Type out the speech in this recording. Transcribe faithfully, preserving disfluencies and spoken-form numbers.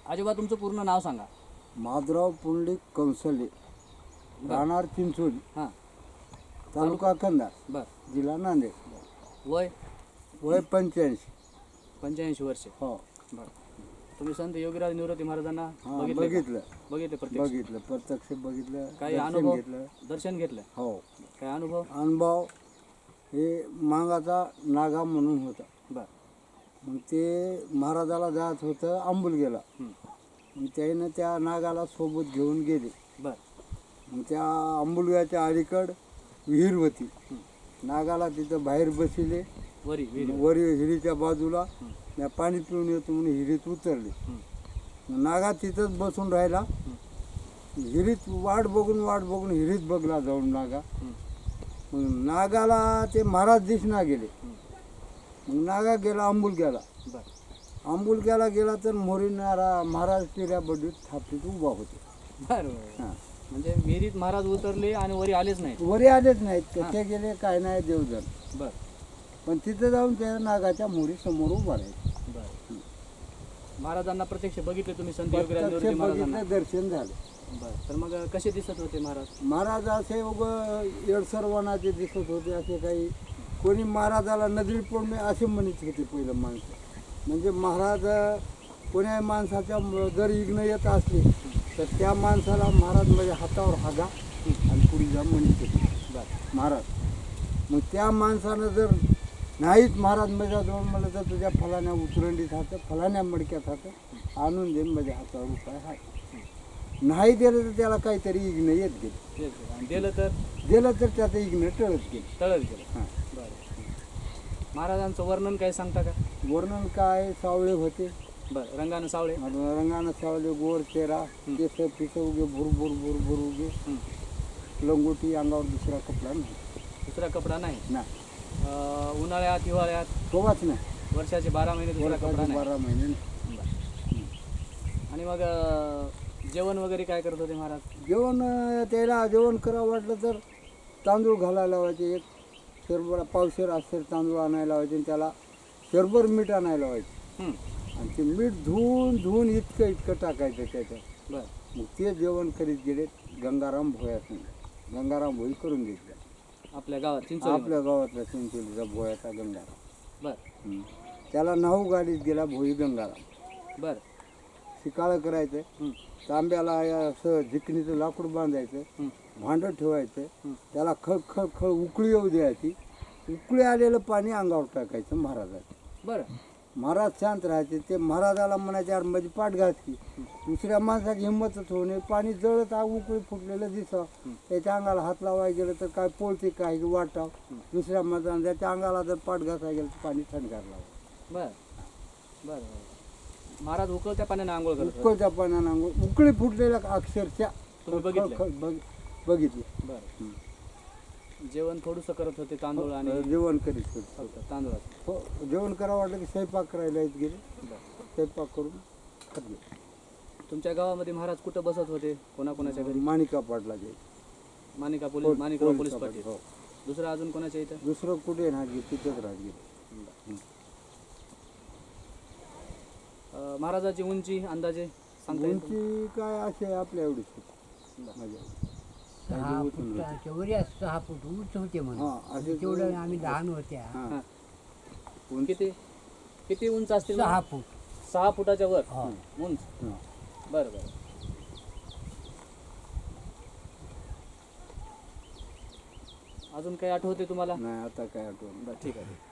आजोबा तुमचं पूर्ण नाव सांगा. माधवराव पुंडलिक कंसले, राहणार चिंचोली, हां. तालुका कंधार, बर. जिल्हा नांदेड. वय वय पंच्याऐंशी. पंच्याऐंशी वर्षे. हो. बर. तुम्ही संत योगीराज निवृत्ती महाराजांना हा, बघितलं का? बघितलं बघितलं प्रत्यक्ष. बघितलं प्रत्यक्ष बघितलं, काही दर्शन अनुभव घेतलं. दर्शन घेतलं. हो. काय अनुभव. अनुभव हे मांगाचा नागा म्हणून होता. बर. मग ते महाराजाला जात होतं आंबुलगेला. हं. मग त्यानं त्या नागाला सोबत घेऊन गेले. बर. मग त्या आंबुलग्याच्या अलीकड विहीर होती. हं. नागाला तिथं बाहेर बसिले, वरी विहिरी. वरी हिरीच्या बाजूला. मी पाणी पिऊन येतो म्हणून हिरीत उतरले. हं. मग नागा तिथंच बसून राहिला. हिरीत वाट बघून वाट बघून हिरीत बघला जाऊन नागा. हं. मग नागाला ते महाराज दिसना गेले. हं. मग नागा गेला आंबुलग्याला. बर. आंबुलग्याला गेला तर मोरीनारा महाराज टिऱ्या बडीत थापीत उभा होते. बर. हां. म्हणजे विहिरीत महाराज उतरले आणि वरी आलेच नाही. वरी आलेच नाहीत, कसे गेले काय नाही देवजण. बर. पण तिथे जाऊन त्या नागाच्या मोरी समोर उभा राहिले. बर. महाराजांना प्रत्यक्ष बघितले तुम्ही संत योगीराज प्रत्यक्ष निवृत्ती महाराजांना. बघितलं, दर्शन झालं. बर. तर मग कसे दिसत होते महाराज. महाराज असे उग येडसरवानाचे दिसत होते. असे काही कोणी महाराजाला नजरी पडणे असे म्हणत होते पहिलं माणसं. म्हणजे महाराज कोण्या माणसाच्या म- जर इग्न येत असले तर त्या माणसाला महाराज म्हणजे हातावर हागा आणि पुढे जा म्हणत होते बर. महाराज. मग त्या माणसानं जर नाहीच महाराज माझ्या जवळ म्हणलं तर तुझ्या फलाण्या उतरंडीत हातं, फलाण्या मडक्यात हातं आणून देईन माझ्या हातावर उपाय आहे. नाही दिलं तर त्याला काहीतरी इग्न येत गेलं. तेच. आणि दिलं तर दिलं तर त्याचं इग्न टळत गेलं. तळत गेलं. हां. बरं. महाराजांचं वर्णन काय सांगता का. वर्णन काय, सावळे होते, बरं. रंगानं सावळे. रंगानं सावळे, गोर चेहरा, केस पिस उगे भुर भुर भुर भुर उगे, हं. लंगोटी, अंगावर दुसरा कपडा नाही. दुसरा कपडा नाही. ना अं, उन्हाळ्यात हिवाळ्यात तोवाच नाही. वर्षाचे बारा महिने दुसरा कपडा वर्षाचे नाही. बारा महिने नाही. बरं. आणि मग अं, जेवण वगैरे काय करत होते महाराज. जेवण अं, त्याला जेवण करावं वाटलं तर तांदूळ घालायला लावायचे. एक शरभर पावशेर असेल तांदूळ आणायला लावायचे आणि त्याला शरभर मीठ आणायला लावायचे. हं. आणि ते मीठ धुवून धुवून इतकं इतकं टाकायचं त्याच्यात. बरं. मग ते जेवण करीत गेले गंगाराम भोयात. गंगाराम भोई करून घेतला. आपल्या गावात चिंचोली. आपल्या गावातला चिंचोलीचा भोयाचा गंगाराम. बरं. हं. त्याला नाहू गाडीत गेला भोई गंगाराम. बरं. शिकाळं करायचं, हं. तांब्याला या असं झिकणीचं लाकूड बांधायचं, हं. भांडं ठेवायचं, हं. त्याला खळ खळ खळ उकळी येऊ द्यायची. उकळी आलेलं पाणी अंगावर टाकायचं महाराजाचं. बरं. महाराज शांत राहायचे. ते महाराजाला म्हणायचे यार माझी पाठ घातली. दुसऱ्या माणसाची हिंमतच होणे. पाणी जळत आ उकळी फुटलेलं दिसावं, त्याच्या अंगाला हात लावायला गेलं तर काय पोळते काय वाटाव. दुसऱ्या माणसानं त्याच्या अंगाला जर पाठ घासायला गेलं तर पाणी थंडगार लावावं. बरं. बरं. बरं. महाराज उकळत्या पाण्याने आंघोळ करत होते. उकळत्या पाण्यानं अंघोळ, उकळी फुटलेल्या अक्षरशः तुम्ही बघितलं. खळ- खळ बघ- बघितली. बरं. जेवण थोडंसं करत होते तांदूळ आणि जेवण करीत होते. फक्त तांदूळाचं. हो, जेवण करावं वाटलं की स्वयंपाक करायला येत गेले. बरं. स्वयंपाक करून खात गेले. तुमच्या गावामध्ये महाराज कुठं बसत होते. कोणाकोणाच्या घरी. माणिका पाटला जे मानिका पोलीस मानिकराव पोलीस पाटील. हो. दुसरं अजून कोणाच्या इथं. दुसरं कुठे राहत गेले, तिथंच राहत गेले. अं, महाराजाची उंची अंदाजे सांगता येईल का? उंची काय असे आपल्या एवढीच होती. माझ्या सहा फुटाच्या वर या सहा फूट उंच होते म्हणून. हां असे तेवढं आम्ही लहान होत्या. हां. हां. किती किती उंच असतील. सहा फूट. सहा फुटाच्या वर हो. उंच. हां. बरं बरं. अजून काही आठवते तुम्हाला. नाही आता काय आठवण. बरं ठीक आहे.